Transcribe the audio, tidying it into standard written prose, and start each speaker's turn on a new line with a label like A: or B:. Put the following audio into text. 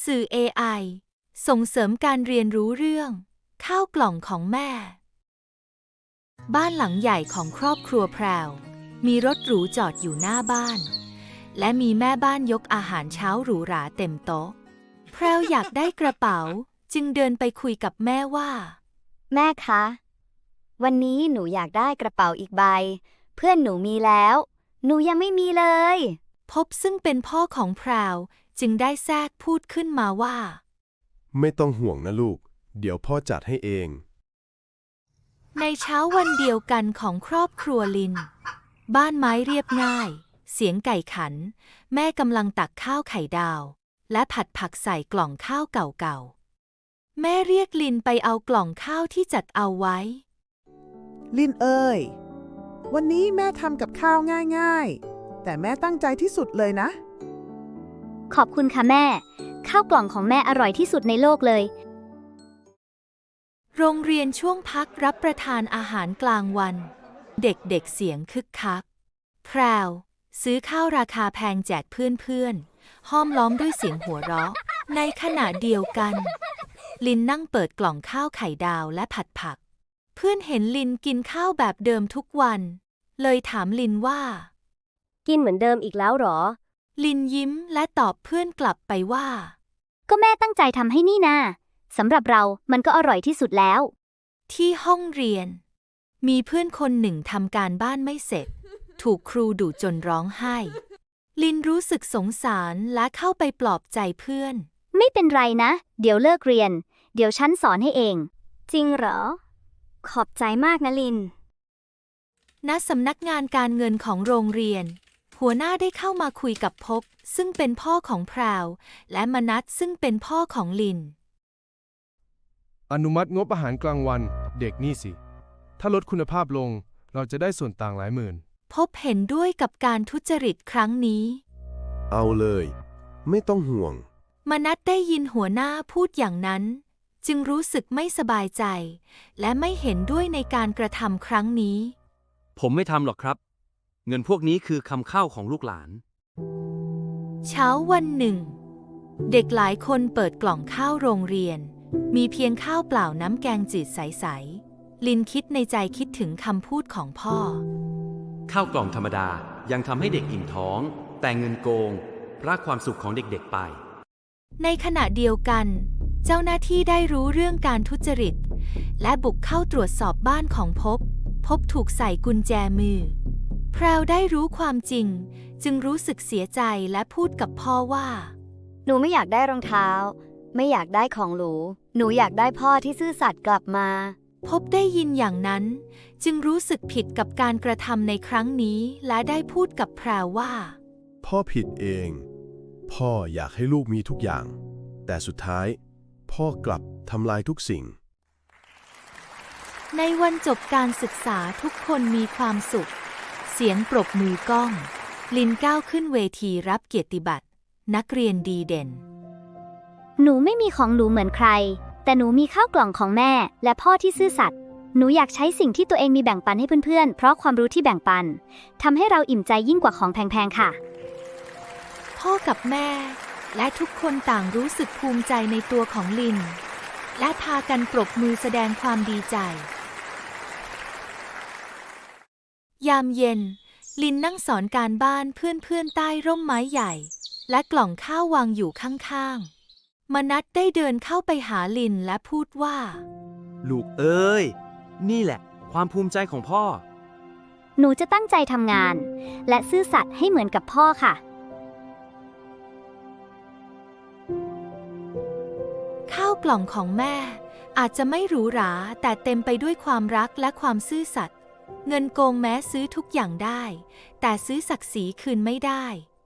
A: สื่อ AI ส่งเสริมการเรียนรู้เรื่องข้าวกล่องของแม่ บ้านหลังใหญ่ของครอบครัวแพรวมีรถหรูจอดอยู่หน้าบ้านและมีแม่บ้านยกอาหารเช้าหรูหราเต็มโต๊ะแพรวอยากได้กระเป๋าจึงเดินไปคุยกับแม่ว่า
B: แม่คะ วันนี้หนูอยากได้กระเป๋าอีกใบเพื่อนหนูมีแล้วหนูยังไม่มีเลย
A: พบซึ่งเป็นพ่อของแพรวจึงได้แทรกพูดขึ้นมาว่า
C: ไม่ต้องห่วงนะลูกเดี๋ยวพ่อจัดให้เอง
A: ในเช้าวันเดียวกันของครอบครัวลินบ้านไม้เรียบง่ายเสียงไก่ขันแม่กำลังตักข้าวไข่ดาวและผัดผักใส่กล่องข้าวเก่าๆแม่เรียกลินไปเอากล่องข้าวที่จัดเอาไว้
D: ลินเอ้ยวันนี้แม่ทำกับข้าวง่ายๆแต่แม่ตั้งใจที่สุดเลยนะ
B: ขอบคุณค่ะแม่ข้าวกล่องของแม่อร่อยที่สุดในโลกเลย
A: โรงเรียนช่วงพักรับประทานอาหารกลางวันเด็กๆเสียงคึกคักแพรวซื้อข้าวราคาแพงแจกเพื่อนๆห้อมล้อมด้วยเสียงหัวเราะในขณะเดียวกันลินนั่งเปิดกล่องข้าวไข่ดาวและผัดผักเพื่อนเห็นลินกินข้าวแบบเดิมทุกวันเลยถามลินว่า
B: กินเหมือนเดิมอีกแล้วหรอ
A: ลินยิ้มและตอบเพื่อนกลับไปว่า
B: ก็แม่ตั้งใจทำให้นี่นาสำหรับเรามันก็อร่อยที่สุดแล้ว
A: ที่ห้องเรียนมีเพื่อนคนหนึ่งทำการบ้านไม่เสร็จถูกครูดุจนร้องไห้ลินรู้สึกสงสารและเข้าไปปลอบใจเพื่อน
B: ไม่เป็นไรนะเดี๋ยวเลิกเรียนเดี๋ยวฉันสอนให้เองจริงเหรอขอบใจมากนะลิน
A: ณสำนักงานการเงินของโรงเรียนหัวหน้าได้เข้ามาคุยกับพบซึ่งเป็นพ่อของแพรวและมนัสซึ่งเป็นพ่อของลิน
E: อนุมัติงบอาหารกลางวันเด็กนี่สิถ้าลดคุณภาพลงเราจะได้ส่วนต่างหลายหมื่น
A: พบเห็นด้วยกับการทุจริตครั้งนี้
C: เอาเลยไม่ต้องห่วง
A: มนัสได้ยินหัวหน้าพูดอย่างนั้นจึงรู้สึกไม่สบายใจและไม่เห็นด้วยในการกระทำครั้งนี้
F: ผมไม่ทำหรอกครับเงินพวกนี้คือคำข้าวของลูกหลาน
A: เช้าวันหนึ่งเด็กหลายคนเปิดกล่องข้าวโรงเรียนมีเพียงข้าวเปล่าน้ำแกงจืดใสๆลินคิดในใจคิดถึงคำพูดของพ่อ
F: ข้าวกล่องธรรมดายังทำให้เด็กอิ่มท้องแต่เงินโกงพรากความสุขของเด็กๆไป
A: ในขณะเดียวกันเจ้าหน้าที่ได้รู้เรื่องการทุจริตและบุกเข้าตรวจสอบบ้านของพบถูกใส่กุญแจมือแพรวได้รู้ความจริงจึงรู้สึกเสียใจและพูดกับพ่อว่า
B: หนูไม่อยากได้รองเท้าไม่อยากได้ของหรูหนูอยากได้พ่อที่ซื่อสัตย์กลับมา
A: พบได้ยินอย่างนั้นจึงรู้สึกผิดกับการกระทำในครั้งนี้และได้พูดกับแพรวว่า
C: พ่อผิดเองพ่ออยากให้ลูกมีทุกอย่างแต่สุดท้ายพ่อกลับทำลายทุกสิ่ง
A: ในวันจบการศึกษาทุกคนมีความสุขเสียงปรบมือก้องลินก้าวขึ้นเวทีรับเกียรติบัตรนักเรียนดีเด่น
B: หนูไม่มีของหรูเหมือนใครแต่หนูมีข้าวกล่องของแม่และพ่อที่ซื่อสัตย์หนูอยากใช้สิ่งที่ตัวเองมีแบ่งปันให้เพื่อนๆเพราะความรู้ที่แบ่งปันทำให้เราอิ่มใจยิ่งกว่าของแพงๆค่ะ
A: พ่อกับแม่และทุกคนต่างรู้สึกภูมิใจในตัวของลินและพากันปรบมือแสดงความดีใจยามเย็นลินนั่งสอนการบ้านเพื่อนๆใต้ร่มไม้ใหญ่และกล่องข้าววางอยู่ข้างๆมนัสได้เดินเข้าไปหาลินและพูดว่า
F: ลูกเอ้ยนี่แหละความภูมิใจของพ่อ
B: หนูจะตั้งใจทำงานและซื่อสัตย์ให้เหมือนกับพ่อค่ะ
A: ข้าวกล่องของแม่อาจจะไม่หรูหราแต่เต็มไปด้วยความรักและความซื่อสัตย์เงินโกงแม้ซื้อทุกอย่างได้แต่ซื้อศักดิ์ศรีคืนไม่ได้